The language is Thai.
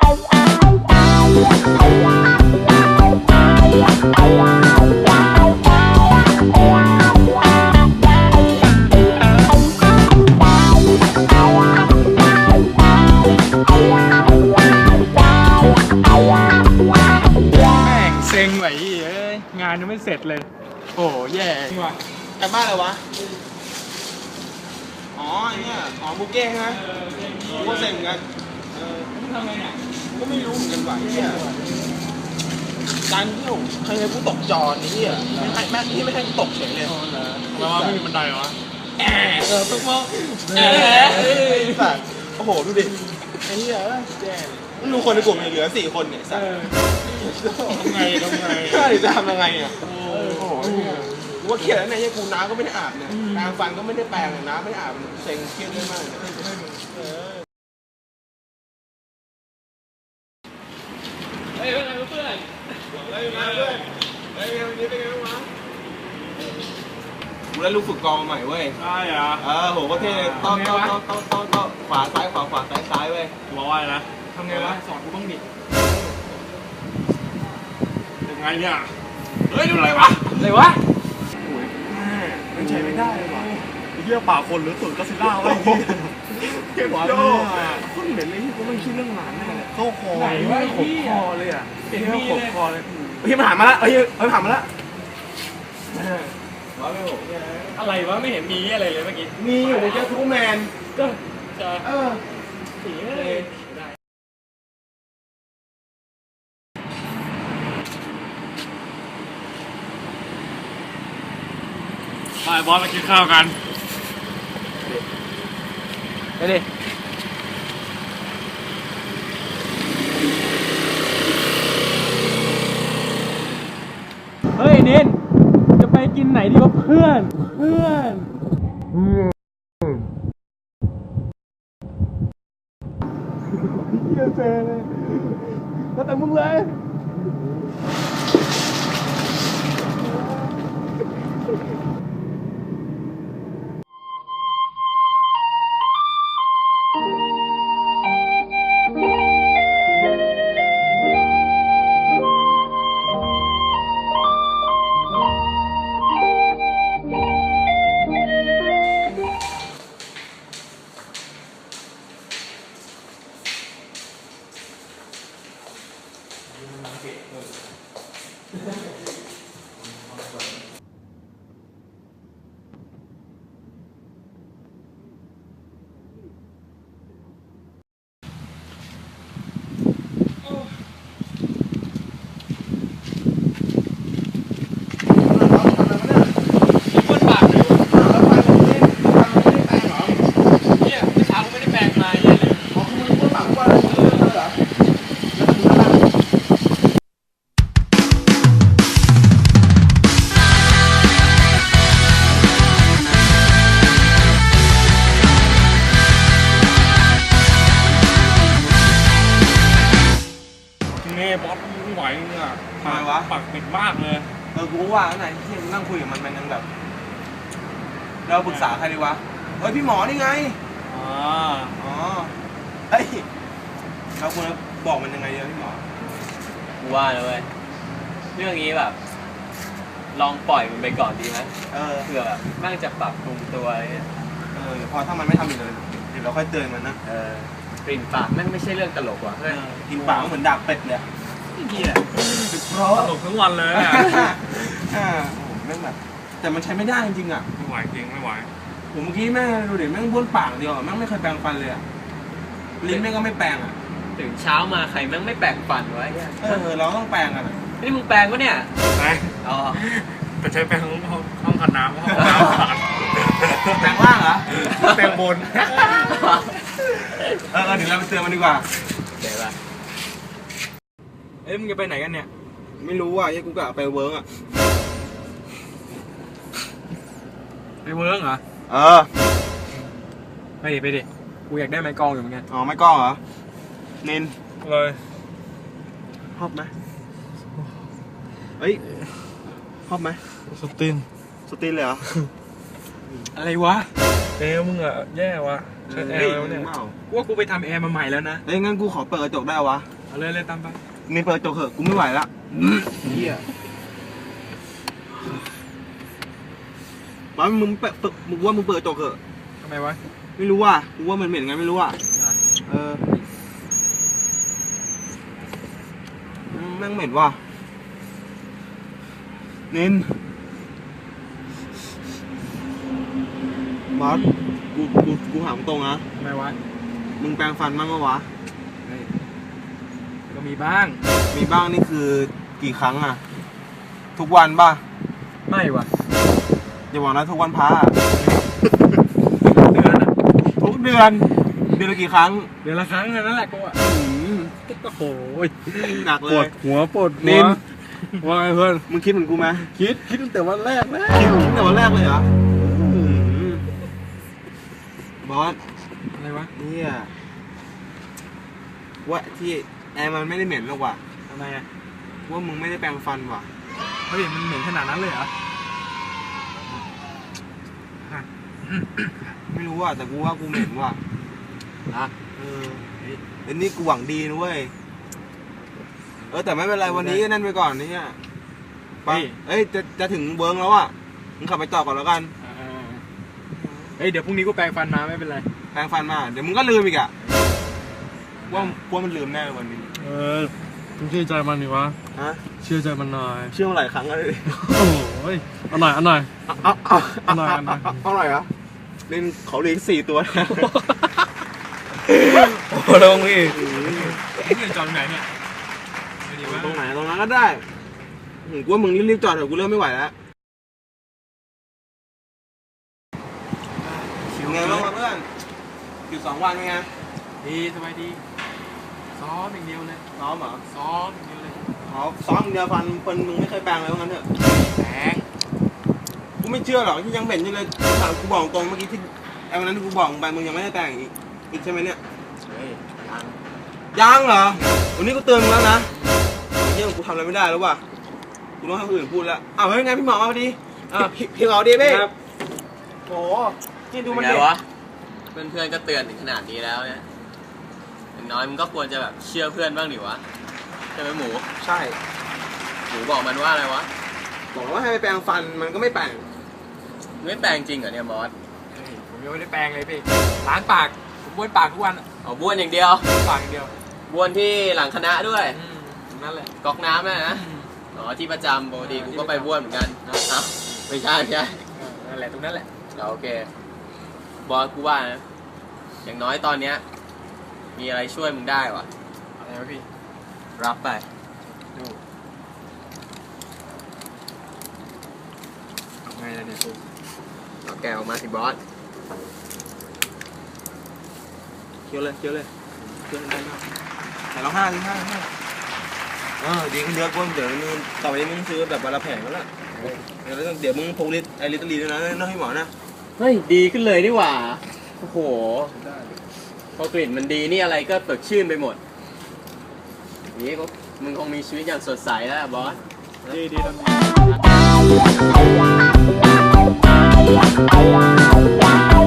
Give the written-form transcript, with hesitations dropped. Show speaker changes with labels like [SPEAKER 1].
[SPEAKER 1] เซ็งไหวเอ้ยงานยังไม่เสร็จเลยโอ้แย่ว่ะ
[SPEAKER 2] กลับบ้านเลยวะอ๋อไอ้เนี่ยบุกเก้ใช่ไหมกูก็เซ็งเหมือนกัน
[SPEAKER 1] มึงทำไงเนี่ย
[SPEAKER 2] ก็ไม่รู้เหมือนกันว่ะเนี่ยการที่ผมเคยให้กูตกจอนี่ที่ไม่ให้กูตกเฉยเลย
[SPEAKER 1] แล้วไม่มีบันไดเหรอต้องมอง
[SPEAKER 2] สัตว์โอ้โหดูดิไอ้เหี้ยแย่มันดูคนในกลุ่มเหลือ4 คนเนี่ยสัตว์
[SPEAKER 1] ทำไง
[SPEAKER 2] จะทำยังไงอ่ะโอ้โหกูว่าเครียดแล้วเนี่ยกูน้ำก็ไม่ได้อาบเนี่ยแปรงฟันก็ไม่ได้แปรงน้ำไม่ได้อาบเซ็งเครียดมาก
[SPEAKER 1] เฮ้ยเป็นไงเพื่อน
[SPEAKER 2] วันนี้เป็นไงบ้างวะกูได้ลูกฝึกกองมาใหม่เว้ย
[SPEAKER 1] ใช่เหรอ
[SPEAKER 2] โหก็เท่ต้อนขวาซ้ายซ้ายเว้ย
[SPEAKER 1] บอกว่านะทำไงวะสอนกูบ้างดิยังไงเนี่ยเฮ้ยดูอะไรวะ
[SPEAKER 2] มันใช้ไม่ได้เลยว่ะ
[SPEAKER 1] เหี้ยป่าคนหรือสูตรก็ซิล่าวะ
[SPEAKER 2] เก็บหัวคนเหม็นเลยที่กูไม่คิดเรื่องหลานเลยเข้าคอขบคอเลยอ่ะเป็นที่ขบคอเลยเฮ้ยมันหันมาแล้วมันหันมาแล้ว
[SPEAKER 1] อะไรวะไม่เห็นมีอะไรเลยเมื่อกี้
[SPEAKER 2] มีอยู่ในเจ้าทูแมน
[SPEAKER 1] ก็จะสีเลยไปบอสมากินข้าวกัน
[SPEAKER 2] ไปดิ
[SPEAKER 1] เฮ้ยเน้นจะไปกินไหนดีวะเพื่อน
[SPEAKER 2] เฮียเซ่เลยแล้วแต่มึงเลย
[SPEAKER 1] บอสไม่ไหวเนี่ย
[SPEAKER 2] ทำไมวะ
[SPEAKER 1] ปากติดมากเลย
[SPEAKER 2] กูว่าไหนที่นั่งคุยกับมันยังแบบเราปรึกษาใครดีวะพี่หมอนี่ไงเฮ้ยเราควรบอกมันยังไงดีพี่หมอ
[SPEAKER 3] กูว่านะเว้ยเรื่องนี้แบบลองปล่อยมันไปก่อนดีไหมเผื่อแบบแม่งจะปรับปรุงตัวอะไรเงี้ย
[SPEAKER 2] พอถ้ามันไม่ทำอีกเลยเดี๋ยวเราค่อยเตือนมันนะ
[SPEAKER 3] กลิ่นปากแม่งไม่ใช่เรื่องตลกว่ะ
[SPEAKER 2] กินปากเหมือนดาบเป็ดเลย
[SPEAKER 1] เหี้ยตลกทั้งวันเลย
[SPEAKER 2] แม่งแบบแต่มันใช้ไม่ได้จริงอ่ะ
[SPEAKER 1] ไม่ไหวจริงไม่ไหว
[SPEAKER 2] ผมเมื่อกี้แม่งดูดิแม่งบ้วนปากเดียวแม่งไม่เคยแปรงฟันเลยลิ้นแม่งก็ไม่แปรงอ่ะ
[SPEAKER 3] ตื่นเช้ามาใครแม่งไม่แปรงฟันไว้
[SPEAKER 2] เราต้องแปรงกัน
[SPEAKER 3] นี่มึงแปรงปะเนี่ย
[SPEAKER 1] แปรงแต่ใช้แปรงห้องขัดน้ำห้องน้ำขาด
[SPEAKER 2] แปรงล่างเหรอ
[SPEAKER 1] แปรงบน
[SPEAKER 2] เดี๋ยวเราไปเตือนมันดีกว่า
[SPEAKER 3] เดี๋ยวป่ะ
[SPEAKER 2] มึงจะไปไหนกันเนี่ยไม่รู้อ่ะยังกูกะไปเวิร์กอ่ะ
[SPEAKER 1] ไปเวิร์กเหรอไปดิกูอยากได้ไม้กองอยู่เหมือนกัน
[SPEAKER 2] ไม้กองเหรอนิน
[SPEAKER 1] เลย
[SPEAKER 2] ชอบไหมชอบไหม
[SPEAKER 1] สติน
[SPEAKER 2] เลยเหรอ
[SPEAKER 1] อะไรวะแอร์มึงอะแย่วะใช้แอร์แล้วเนี่ยว่ากูไปทำแอร์มาใหม่แล้วนะ
[SPEAKER 2] งั้นกูขอเปิดกระจกได้วะ
[SPEAKER 1] เลยตามไป
[SPEAKER 2] นี่เปิดกระจกเถอะกูไม่ไหวละเฮียบอสมึงว่ามึงเปิดกระจกเถอะ
[SPEAKER 1] ทำไมวะ
[SPEAKER 2] ไม่รู้ว่ะกูว่ามันเหม็นไงไม่รู้อ่ะแม่งเหม็นว่ะนินบอสกูถามตรงนะ
[SPEAKER 1] ทำไมวะ
[SPEAKER 2] มึงแปรงฟันบ้างปะวะ
[SPEAKER 1] เฮ้ยก็มีบ้าง
[SPEAKER 2] มีบ้างนี่คือกี่ครั้งอ่ะ ทุกวันป่ะ
[SPEAKER 1] ไม่วะ
[SPEAKER 2] อย่าบอกนะทุกวันพระอะ
[SPEAKER 1] เดือนอะ
[SPEAKER 2] ทุกเดือนละกี่ครั้ง
[SPEAKER 1] เดือนละครั้งเท่านั้นแหละกูอะโอ้โห
[SPEAKER 2] หนัก
[SPEAKER 1] ป
[SPEAKER 2] เล
[SPEAKER 1] วย ดหัวปวดหั
[SPEAKER 2] นิ
[SPEAKER 1] วน ว่าไงเพื่อน
[SPEAKER 2] มึงคิดเหมือนกูไหม
[SPEAKER 1] คิดตั้งแต่วันแรกแล้ว
[SPEAKER 2] คิดตั้งแต่วันแรกเลยเหรออืมบอส
[SPEAKER 1] อะไรวะ
[SPEAKER 2] เนี่ยว่าที่แอร์มันไม่ได้เหม็นหรอกว่ะ
[SPEAKER 1] ทำไมอะ
[SPEAKER 2] ว่ามึงไม่ได้แปรงฟันว่ะ
[SPEAKER 1] เฮ้ยมันเหม็นขนาดนั้นเลยเหรอ
[SPEAKER 2] ไม่รู้ว่ะแต่กูว่ากูเหม็นว่ะ
[SPEAKER 1] อ่ะ
[SPEAKER 2] แล้วนี่กูหวังดีนะเว้ยแต่ไม่เป็นไรวันนี้ก็นั่นไปก่อนนี่เนี่ยไปจะถึงเบิร์งแล้วอ่ะมึงขับไปต่อก่อนแล้วกัน
[SPEAKER 1] เฮ้ยเดี๋ยวพรุ่งนี้กูแปรงฟันมาไม่เป็นไร
[SPEAKER 2] แปรงฟันมาเดี๋ยวมึงก็ลืมอีกอ่ะว่ามันลืมแน่วันนี้
[SPEAKER 4] มึงเชื่อใจมันดิวะ
[SPEAKER 2] ฮะ
[SPEAKER 4] เชื่อใจมันหน่อย
[SPEAKER 2] เชื่อมาหลายครั้งแล้วเลย
[SPEAKER 4] โอ้ยเอาหน่อย
[SPEAKER 2] เอาหน่อยเหรอเล่นเขาเลี้ยง4 ตัว
[SPEAKER 4] โอ้ลงอีก
[SPEAKER 1] นี่จอดไหนเนี่ยไม่ดีวะ
[SPEAKER 2] ตรงไหนตรงนั้นก็ได้กูว่ามึงรีบๆจอดเถอะกูเริ่มไม่ไหวแล้วไงบ้างเพื่อนอยู่2 วันเป็นไง
[SPEAKER 1] ดีสบายดีซ้อมอย่างเดียวเลย
[SPEAKER 2] ซ้อมเหรอ
[SPEAKER 1] ซ้อมอย่างเดียวเลย
[SPEAKER 2] ซ้อมอย่างเดียวฟันมึงไม่เคยแปรงเลยว่างั้นเถอะ
[SPEAKER 1] แปรง
[SPEAKER 2] กูไม่เชื่อหรอกที่ยังเหม็นอยู่เลยถามกูบอกตรงเมื่อกี้ที่ไอ้วันนั้นที่กูบอกมึงไปมึงยังไม่ได้แต่งอีกใช่ไหมเนี่ย
[SPEAKER 1] เฮ้ยยัง
[SPEAKER 2] ยังเหรอวันนี้กูเตือนมึงแล้วนะเยี่ยมกูทำอะไรไม่ได้แล้วว่ะกูต้องให้คนอื่นพูดแล้วอ้าวเฮ้ยไงพี่หมอมาพอดีพี่หมอดีพี่โอ้กินดูมัน
[SPEAKER 3] ไง
[SPEAKER 2] ดิ
[SPEAKER 3] วะเพื่อนๆก็เตือนถึงขนาดนี้แล้วเนี่ยอย่างน้อยมึงก็ควรจะแบบเชื่อเพื่อนบ้างดิวะใช่ไหมหมู
[SPEAKER 2] ใช่
[SPEAKER 3] หมูบอกมันว่าอะไรวะ
[SPEAKER 2] บอกว่าให้ไปแปรงฟันมันก็ไม่แปรง
[SPEAKER 3] มึงไม่แปลงจริงเหรอเนี่ยมอส
[SPEAKER 1] เฮ้ยผมยังไม่ได้แปรงเลยพี่ล้างปากผมบ้วนปากทุกวันอะ
[SPEAKER 3] เอาบ้วนอย่างเดียว
[SPEAKER 1] ปากอย่างเดียว
[SPEAKER 3] บ้วนที่หลังคณะด้วย
[SPEAKER 1] นั่นแหละ
[SPEAKER 3] ก๊อกน้ำนะอ๋อที่ประจำปกติกูก็ไปบ้วนเหมือนกันเอ้าไม่ใช่ไม่ใช่
[SPEAKER 1] นั่นแหละตรงนั้นแหละ
[SPEAKER 3] โอเคบอสกูว่านะอย่างน้อยตอนเนี้ยมีอะไรช่วยมึงได้วะ
[SPEAKER 1] อะไรวะพี่
[SPEAKER 3] รับไป
[SPEAKER 1] ดูไงล่ะเนี่ยกู
[SPEAKER 3] เอาแกะออกมาสิบอส
[SPEAKER 2] เคี้ยวเลยเคี้ยวได้มากแต่เรา5 ดีขึ้นเยอะกว่าเดี๋ยวมึงต่อไปนี้มึงซื้อแบบวันละแผงแล้วล่ะเดี๋ยวมึงพกลิตรลีด้วยนะน้องให้หมอนะ
[SPEAKER 3] เฮ้ยดีขึ้นเลยนี่หว่าโอ้โหพอกลิ่นมันดีนี่อะไรก็สดชื่นไปหมดนี่มึงคงมีชีวิตอย่างสดใสแล้วบอส
[SPEAKER 1] ดีทำดี